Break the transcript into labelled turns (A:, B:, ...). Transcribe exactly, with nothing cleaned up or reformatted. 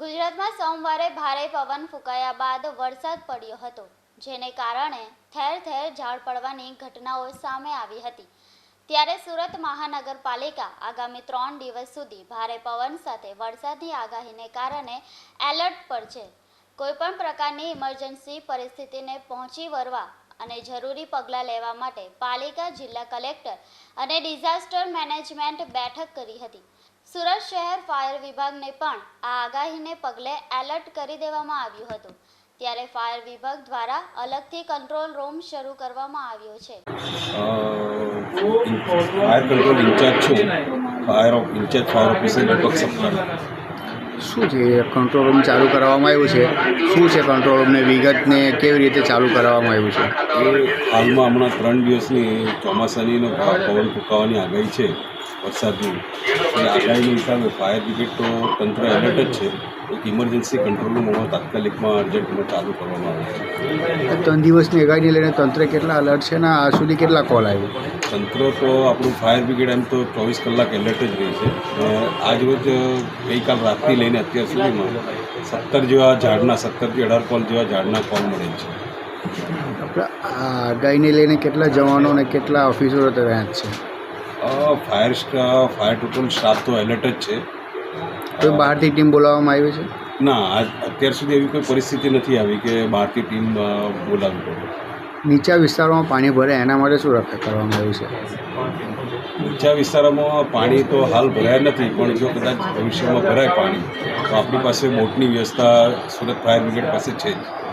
A: ગુજરાતમાં સોમવારે ભારે પવન ફૂંકાયા બાદ વરસાદ પડ્યો હતો, જેને કારણે ઠેર ઠેર ઝાડ પડવાની ઘટનાઓ સામે આવી હતી। ત્યારે સુરત મહાનગરપાલિકા આગામી ત્રણ દિવસ સુધી ભારે પવન સાથે વરસાદની આગાહીને કારણે એલર્ટ પર છે। કોઈપણ પ્રકારની ઇમરજન્સી પરિસ્થિતિને પહોંચી વળવા અને જરૂરી પગલાં લેવા માટે પાલિકા જિલ્લા કલેક્ટર અને ડિઝાસ્ટર મેનેજમેન્ટ બેઠક કરી હતી। સુરત શહેર ફાયર વિભાગને પણ આ આગાહીને પગલે એલર્ટ કરી દેવામાં આવ્યું હતું। ત્યારે ફાયર વિભાગ દ્વારા અલગથી કંટ્રોલ રૂમ શરૂ કરવામાં આવ્યો છે।
B: ફાયર કંટ્રોલ ઇન્ચાર્જ છું, fire incharge fire officer Deepak સપ્તાહ।
C: શું છે કંટ્રોલ રૂમ ચાલુ કરવામાં આવ્યું છે? શું છે કંટ્રોલ રૂમને વિગતને કેવી રીતે ચાલુ કરવામાં આવ્યું છે?
B: એ હાલમાં હમણાં ત્રણ દિવસની ચોમાસાની પવન ફૂંકાવાની આગાહી છે, વરસાદની એ આગાહીના હિસાબે ફાયર બ્રિગેડ તો તંત્ર એલર્ટ જ છે। એક ઇમરજન્સી કંટ્રોલ રૂમ તાત્કાલિકમાં અર્જન્ટમાં ચાલુ કરવામાં આવે છે।
C: ત્રણ દિવસની આગાહીને લઈને તંત્ર કેટલા અલર્ટ છે ને આ સુધી કેટલા કોલ આવ્યો?
B: તંત્ર તો આપણું ફાયર બ્રિગેડ એમ તો ચોવીસ કલાક એલર્ટ જ રહી છે। આજ રોજ ગઈકાલ રાતથી લઈને અત્યાર સુધીમાં સત્તર જેવા ઝાડના સત્તરથી અઢાર કોલ જેવા ઝાડના કોલ મળે છે।
C: આપણે આ આગાહીને લઈને કેટલા જવાનો અને કેટલા ઓફિસરો તૈયાર છે?
B: Fire staff fire total staff તો એલર્ટ જ છે।
C: કોઈ બહારથી ટીમ બોલાવવામાં આવી છે?
B: ના, આજ અત્યાર સુધી એવી કોઈ પરિસ્થિતિ નથી આવી કે બહારથી ટીમ બોલાવવી પડે।
C: નીચા વિસ્તારોમાં પાણી ભરે એના માટે શું રક્ષા કરવામાં આવ્યું છે?
B: નીચા વિસ્તારોમાં પાણી તો હાલ ભરાયા નથી, પણ જો કદાચ ભવિષ્યમાં ભરાય પાણી તો આપણી પાસે બોટની વ્યવસ્થા સુરત ફાયર બ્રિગેડ પાસે છે જ।